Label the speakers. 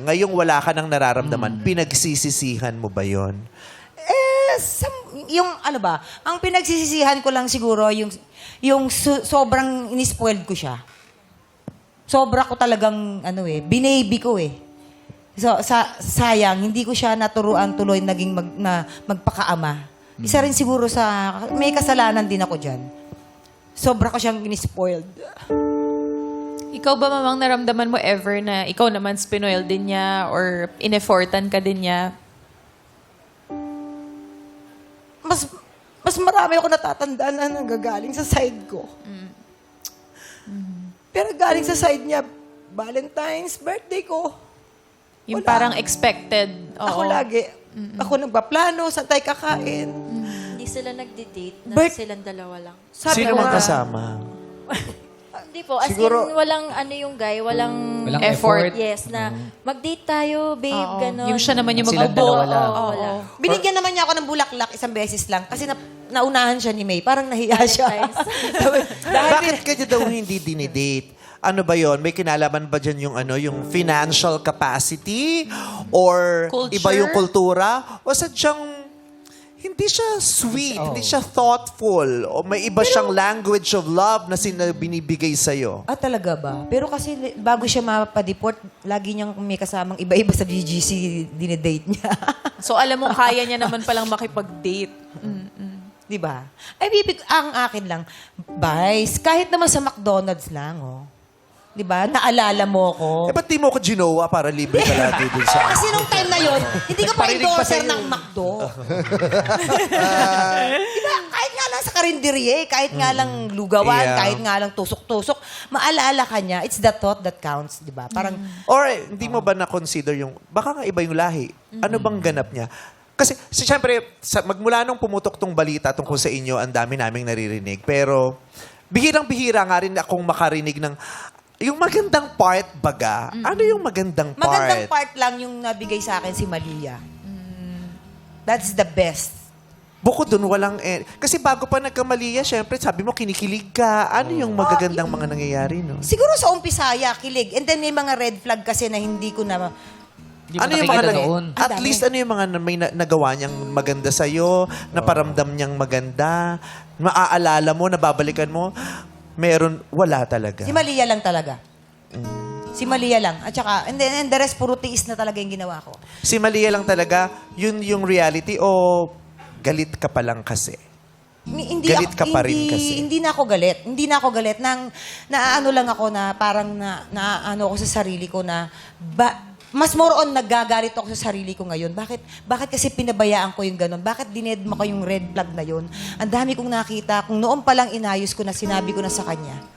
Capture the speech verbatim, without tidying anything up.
Speaker 1: ngayong wala ka nang nararamdaman, pinagsisisihan mo ba yon?
Speaker 2: Eh, sam- yung ano ba, ang pinagsisisihan ko lang siguro yung yung so- sobrang inispoiled ko siya. Sobra ko talagang ano eh, binaby ko eh. So sa sayang hindi ko siya naturuan tuloy naging mag, na magpakaama. Isa rin siguro sa may kasalanan din ako diyan. Sobra ko siyang inispoiled.
Speaker 3: Ikaw ba, mamang, naramdaman mo ever na ikaw naman spinoil din niya or ineffortan ka din niya?
Speaker 2: Mas mas marami ako natatandaan na nanggagaling sa side ko. Pero galing sa side niya, Valentine's, birthday ko.
Speaker 3: Yung
Speaker 2: Wala.
Speaker 3: parang expected. Oo.
Speaker 2: Ako lagi. Ako nagpaplano, saan tayo kakain.
Speaker 4: Hindi sila nagde-date na
Speaker 2: Bert-
Speaker 4: silang dalawa lang.
Speaker 2: Sabi
Speaker 1: Sino
Speaker 2: ko
Speaker 1: mang
Speaker 2: nga,
Speaker 1: kasama?
Speaker 4: Hindi po, as
Speaker 1: Siguro-
Speaker 4: in, walang ano yung guy, walang,
Speaker 5: Walang
Speaker 3: effort.
Speaker 5: effort.
Speaker 4: yes, na mag-date tayo, babe,
Speaker 3: Oo.
Speaker 4: gano'n.
Speaker 3: Yung siya naman yung
Speaker 5: Silang
Speaker 3: mag-ubo.
Speaker 5: dalawa lang.
Speaker 4: Oo, wala.
Speaker 2: Binigyan naman niya ako ng bulaklak isang beses lang kasi na, naunahan siya ni May. Parang nahiya siya.
Speaker 1: Bakit kanya daw hindi dinidate? Ano ba yon? May kinalaman ba dyan yung, ano, yung financial capacity? Or
Speaker 3: Culture?
Speaker 1: iba yung kultura? O sadyang hindi siya sweet,
Speaker 5: Oh.
Speaker 1: hindi siya thoughtful, o may iba siyang language of love na sina binibigay sa'yo?
Speaker 2: Ah, talaga ba? Pero kasi li- bago siya mapadeport, lagi niyang may kasamang iba-iba sa G G C dinedate niya.
Speaker 3: So, alam mo, kaya niya naman palang makipag-date.
Speaker 2: Di ba? Ay, bibig, ang akin lang, Vice, kahit naman sa McDonald's lang, oh. Di ba? Naalala mo ko.
Speaker 1: Eh, ba't di mo ko ginawa para libre ka lagi dun sa...
Speaker 2: Kasi nung time na yon, hindi ka pa
Speaker 5: Parinig pa
Speaker 2: endorser
Speaker 5: sa'yo.
Speaker 2: ng McDo. Diba? Kahit nga lang sa karinderye, kahit nga lang lugawan,
Speaker 1: Yeah.
Speaker 2: kahit nga lang tusok-tusok, maalala ka niya, it's the thought that counts, di ba? Parang,
Speaker 1: Or eh, hindi mo ba na-consider yung, baka nga iba yung lahi. Ano bang ganap niya? Kasi, si, siyempre, sa, magmula nung pumutok tong balita tungkol sa inyo, ang dami naming naririnig. Pero, bihirang-bihira nga rin akong makarinig ng, yung magandang part baga. Ano yung magandang part?
Speaker 2: magandang part lang yung nabigay sa akin si Malia. That's the best.
Speaker 1: Bukod dun, walang... Eh, kasi bago pa nagkamaliya, syempre, sabi mo, kinikilig ka. Ano yung magagandang mga nangyayari, no?
Speaker 2: Siguro sa umpisaya, kilig. And then may mga red flag kasi na hindi ko na...
Speaker 5: Hindi mo
Speaker 1: Ano yung mga
Speaker 5: nakikita
Speaker 1: nang-
Speaker 5: doon.
Speaker 1: At
Speaker 2: Ang dami.
Speaker 1: least ano yung mga na- may na- nagawa niyang maganda sa'yo, naparamdam niyang maganda, maaalala mo, nababalikan mo, meron, wala talaga.
Speaker 2: Si Malia lang talaga. Si Malia lang. At saka, and then and the rest, puro tiis na talaga yung ginawa ko.
Speaker 1: Si Malia lang talaga, yun yung reality o galit ka pa lang kasi?
Speaker 2: Mi- Hindi
Speaker 1: Galit
Speaker 2: ako,
Speaker 1: ka pa rin
Speaker 2: hindi,
Speaker 1: kasi.
Speaker 2: Hindi na ako galit. Hindi na ako galit. Nang, naaano lang ako na parang na, naano ako sa sarili ko na, ba, mas more on nagagalit ako sa sarili ko ngayon. Bakit bakit kasi pinabayaan ko yung ganun? Bakit dinedma ko yung red flag na yun? Ang dami kong nakita. Kung noon pa lang inayos ko na sinabi ko na sa kanya,